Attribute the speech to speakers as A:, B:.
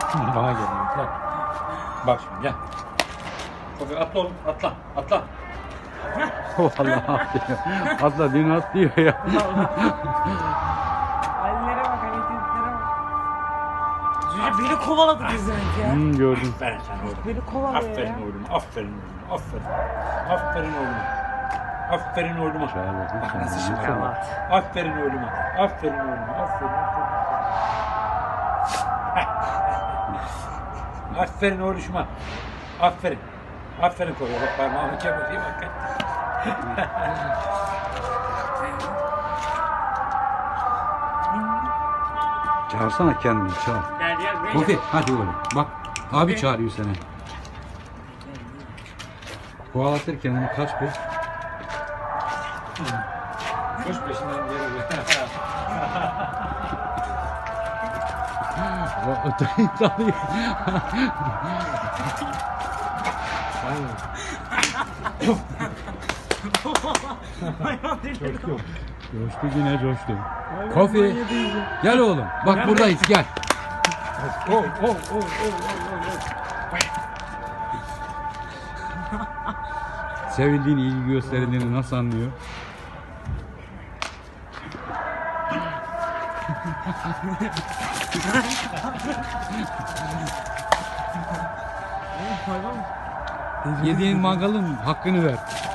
A: Bana gel. Gel. Bak şimdi gel. Kofi atla oğlum. Atla. Atla.
B: Vallahi atlıyor. Atla dün atlıyor ya.
C: Hallere bak, hareketlere bak. Cüce beni kovaladı bizden ya.
B: Gördüm.
A: Aferin sen oğlum.
C: Beni kovalıyor
A: Aferin
C: ya.
A: oğlum. Aferin oğlum. Aferin. Aferin oğlum. Aferin oğluma.
B: Çağır bakayım
A: Bak
B: sen
A: nasıl
B: de.
A: şimdi.
C: Yalan.
A: Aferin oğluma. Aferin oğluma. Aferin. Aferin oğluşuma. Aferin. Aferin koyuyor. Bak parmağımı kemireyim. Bak.
B: Çağırsana kendini çağır.
C: Gel gel buraya.
B: Kofi hadi oğlum. Bak abi çağırıyor seni. Kovalatır kendini kaç bir.
A: Koş peşinden geri.
B: Öteki dalıyor. Coştu yine coştu. Kofi gel oğlum. Bak buradayız gel. Sevildiğini, ilgi gösterildiğini nasıl anlıyor? Yediğin mangalın hakkını ver.